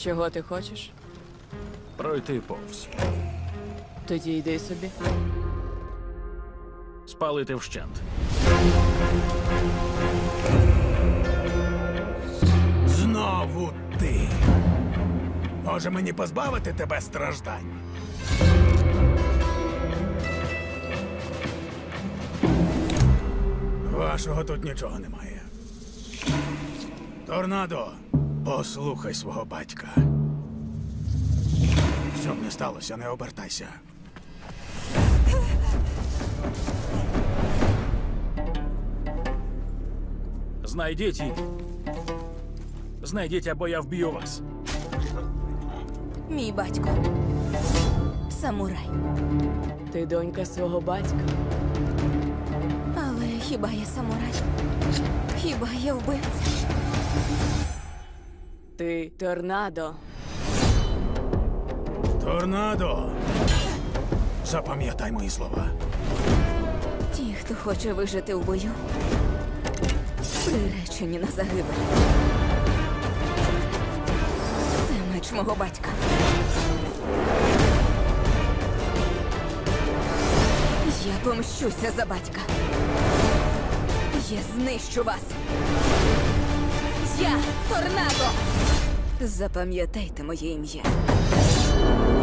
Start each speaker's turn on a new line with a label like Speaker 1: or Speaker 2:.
Speaker 1: Чого ти хочеш?
Speaker 2: Пройти повз.
Speaker 1: Тоді йди собі.
Speaker 2: Спалити вщент.
Speaker 3: Знову ти. Може мені позбавити тебе страждань? Вашого тут нічого немає. Торнадо, послухай свого батька. Що б не сталося, не обертайся.
Speaker 2: Знайдіть її. Знайдіть, або я вб'ю вас.
Speaker 4: Мій батько. Самурай.
Speaker 1: Ти донька свого батька.
Speaker 4: Але хіба я самурай? Хіба я вбивця?
Speaker 1: Ти торнадо.
Speaker 3: Торнадо! Запам'ятай мої слова.
Speaker 4: Ті, хто хоче вижити в бою, приречені на загибель. Це меч мого батька. Я помщуся за батька. Я знищу вас. Я торнадо. Запам'ятайте моє ім'я.